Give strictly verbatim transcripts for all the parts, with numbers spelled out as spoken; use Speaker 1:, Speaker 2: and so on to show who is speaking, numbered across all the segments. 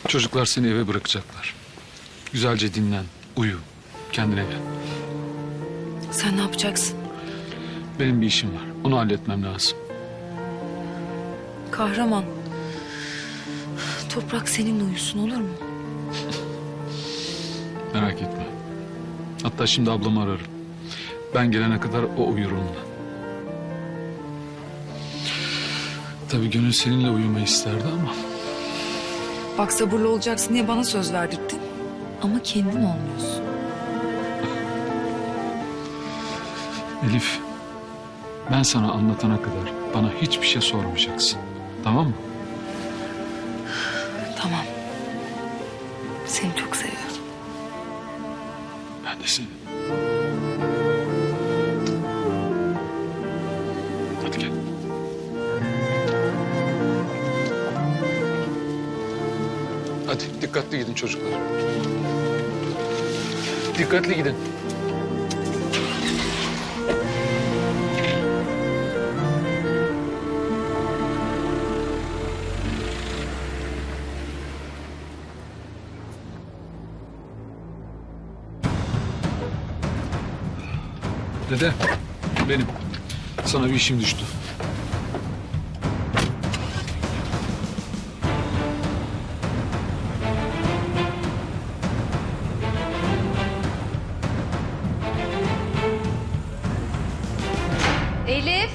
Speaker 1: Çocuklar seni eve bırakacaklar. Güzelce dinlen, uyu, kendine gel.
Speaker 2: Sen ne yapacaksın?
Speaker 1: Benim bir işim var, onu halletmem lazım.
Speaker 2: Kahraman. Toprak seninle uyusun, olur mu?
Speaker 1: Merak etme. Hatta şimdi ablamı ararım. Ben gelene kadar o uyur onunla. Tabii gönül seninle uyumayı isterdi ama...
Speaker 2: Bak, sabırlı olacaksın diye bana söz verdirdin. Ama kendin olmuyorsun.
Speaker 1: Elif, ben sana anlatana kadar bana hiçbir şey sormayacaksın. Tamam mı?
Speaker 2: Tamam. Seni çok seviyorum.
Speaker 1: Ben de seni. Hadi gel. Hadi dikkatli gidin çocuklar. Dikkatli gidin. Dede, benim. Sana bir işim düştü.
Speaker 3: Elif,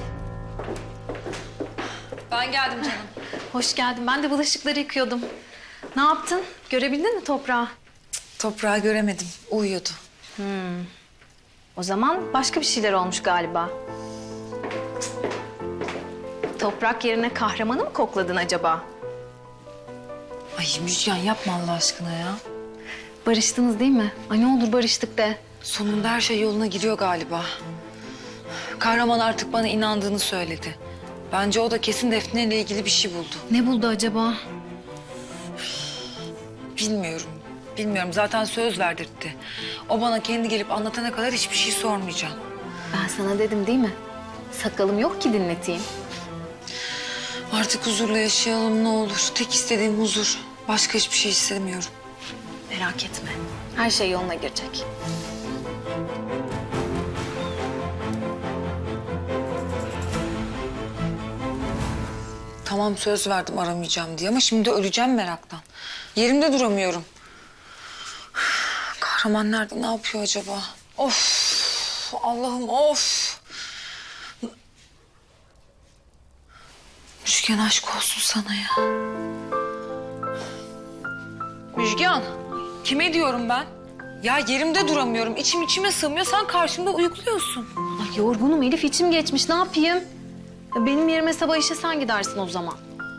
Speaker 2: Ben geldim canım.
Speaker 3: hoş geldin. Ben de bulaşıkları yıkıyordum. Ne yaptın? Görebildin mi toprağı?
Speaker 2: Toprağı göremedim. Uyuyordu.
Speaker 3: O zaman başka bir şeyler olmuş galiba. Toprak yerine kahramanı mı kokladın acaba?
Speaker 2: Ay Müjgan, yapma Allah aşkına ya.
Speaker 3: Barıştınız değil mi? Ay ne olur barıştık de.
Speaker 2: Sonunda her şey yoluna giriyor galiba. Kahraman artık bana inandığını söyledi. Bence o da kesin Defne ile ilgili bir şey buldu.
Speaker 3: Ne buldu acaba?
Speaker 2: Bilmiyorum. Bilmiyorum. Zaten söz verdirtti. O bana kendi gelip anlatana kadar hiçbir şey sormayacağım.
Speaker 3: Ben sana dedim değil mi? Sakalım yok ki dinleteyim.
Speaker 2: Artık huzurla yaşayalım ne olur. Tek istediğim huzur. Başka hiçbir şey istemiyorum.
Speaker 3: Merak etme. Her şey yoluna girecek.
Speaker 2: Tamam, söz verdim aramayacağım diye ama şimdi öleceğim meraktan. Yerimde duramıyorum. Kahraman nerede? Ne yapıyor acaba? Of! Allah'ım of! Müjgan, aşk olsun sana ya. Müjgan, kime diyorum ben? Ya yerimde duramıyorum. İçim içime sığmıyor. Sen karşımda uyukluyorsun.
Speaker 3: Ay yorgunum Elif, içim geçmiş. Ne yapayım? Ya benim yerime sabah işe sen gidersin o zaman.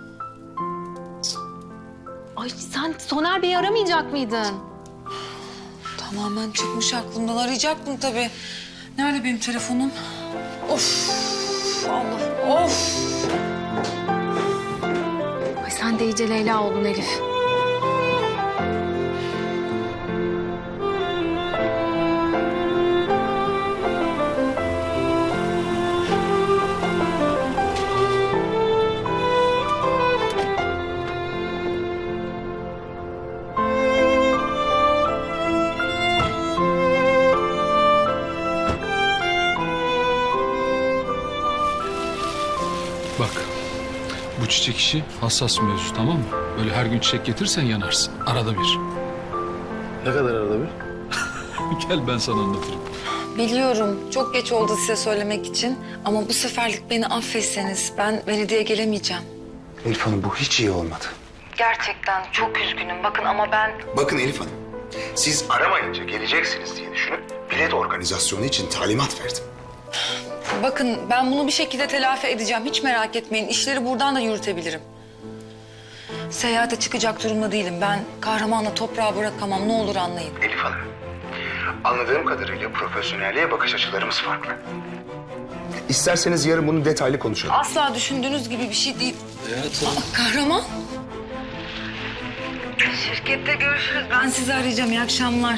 Speaker 3: Ay sen Soner Bey'i aramayacak mıydın?
Speaker 2: Tamamen çıkmış aklımdan. Arayacaktım tabii. Nerede benim telefonum? Of! Allah! Of!
Speaker 3: Ay sen de iyice Leyla oldun Elif.
Speaker 1: Bak, bu çiçek işi hassas bir mevzu, tamam mı? Böyle her gün çiçek getirsen yanarsın. Arada bir.
Speaker 4: Ne kadar arada bir?
Speaker 1: Gel ben sana anlatırım.
Speaker 2: Biliyorum, çok geç oldu size söylemek için. Ama bu seferlik beni affetseniz ben belediyeye gelemeyeceğim.
Speaker 4: Elif Hanım, bu hiç iyi olmadı.
Speaker 2: Gerçekten çok üzgünüm. Bakın ama ben...
Speaker 4: Bakın Elif Hanım, siz aramayınca geleceksiniz diye düşünüp bilet organizasyonu için talimat verdim.
Speaker 2: Bakın ben bunu bir şekilde telafi edeceğim. Hiç merak etmeyin. İşleri buradan da yürütebilirim. Seyahate çıkacak durumda değilim. Ben kahramanla toprağı bırakamam. Ne olur anlayın.
Speaker 4: Elif Hanım, anladığım kadarıyla profesyonelliğe bakış açılarımız farklı. İsterseniz yarın bunu detaylı konuşalım.
Speaker 2: Asla düşündüğünüz gibi bir şey değil. Aa, kahraman. Şirkette görüşürüz. Ben sizi arayacağım. İyi akşamlar.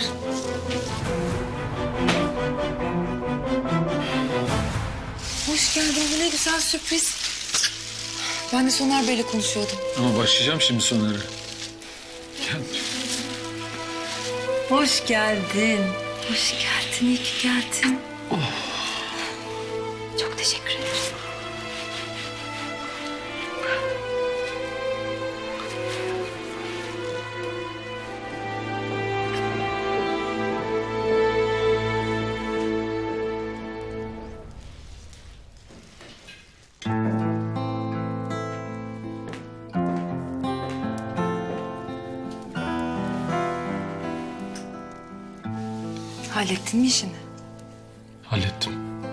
Speaker 2: Hoş geldin. Bu ne güzel sürpriz. Ben de Soner Bey'le konuşuyordum.
Speaker 1: Ama başlayacağım şimdi Soner'e. Gel.
Speaker 2: Hoş geldin. Hoş geldin, iyi ki geldin.
Speaker 3: Çok teşekkür ederim.
Speaker 2: Hallettin mi işini?
Speaker 1: Hallettim.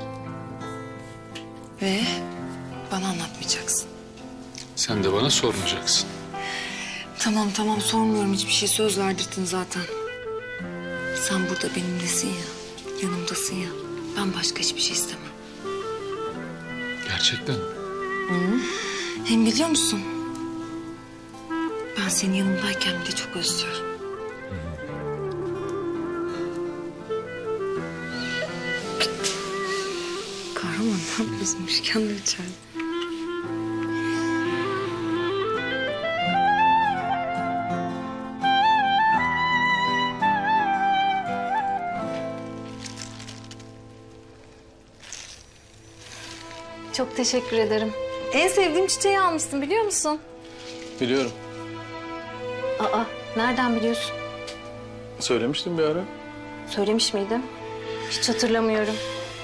Speaker 2: Ve bana anlatmayacaksın.
Speaker 1: Sen de bana sormayacaksın.
Speaker 2: Tamam tamam sormuyorum hiçbir şey, söz verdirdin zaten. Sen burada benimlesin ya, yanımdasın ya. Ben başka hiçbir şey istemem.
Speaker 1: Gerçekten mi?
Speaker 2: Hem biliyor musun? Ben senin yanımdayken bile çok özlüyorum. Kahraman ne yapıyorsun? Müşken de içeride.
Speaker 3: Çok teşekkür ederim. En sevdiğim çiçeği almışsın biliyor musun?
Speaker 5: Biliyorum.
Speaker 3: Aa, nereden biliyorsun?
Speaker 5: Söylemiştim bir ara.
Speaker 3: Söylemiş miydim? Hiç hatırlamıyorum.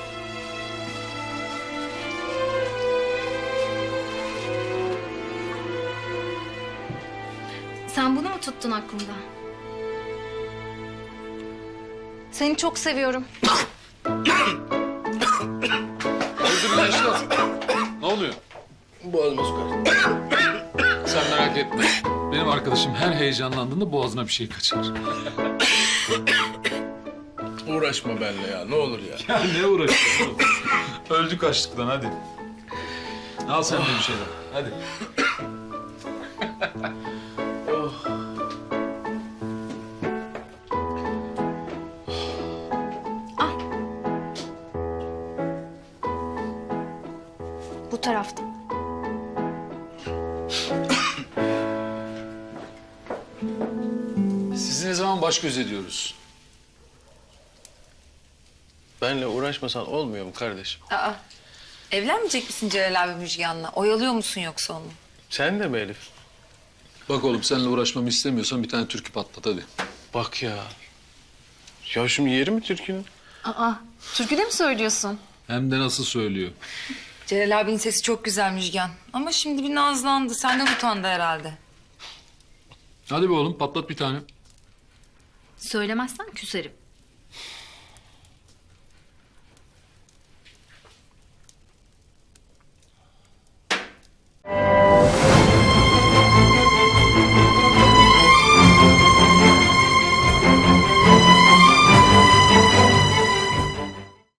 Speaker 3: Sen bunu mu tuttun aklında? Seni çok seviyorum.
Speaker 1: Öldürün Yaşar. Ne oluyor?
Speaker 5: Boğazıma su kaçtı.
Speaker 1: Sen merak etme. Benim arkadaşım her heyecanlandığında boğazına bir şey kaçar.
Speaker 5: Uğraşma benimle ya, ne olur ya.
Speaker 1: Ya ne uğraşıyorsun oğlum? Öldük açlıktan hadi. Al sen de bir şeyler. Hadi.
Speaker 3: Bu tarafta.
Speaker 1: Sizi ne zaman baş göz ediyoruz?
Speaker 5: Benimle uğraşmasan olmuyor mu kardeşim?
Speaker 2: Aa, evlenmeyecek misin Celal abi Müjgan'la? Oyalıyor musun yoksa onu?
Speaker 5: Sen de mi Elif?
Speaker 1: Bak oğlum seninle uğraşmamı istemiyorsan bir tane türkü patlat hadi.
Speaker 5: Bak ya. Ya şimdi yeri mi türkünün?
Speaker 3: Aa, türkü de mi söylüyorsun?
Speaker 1: Hem de nasıl söylüyor.
Speaker 2: Celal abinin sesi çok güzel Müjgan. Ama şimdi bir nazlandı. Senden utandı herhalde.
Speaker 1: Hadi be oğlum patlat bir tane.
Speaker 3: Söylemezsen küserim.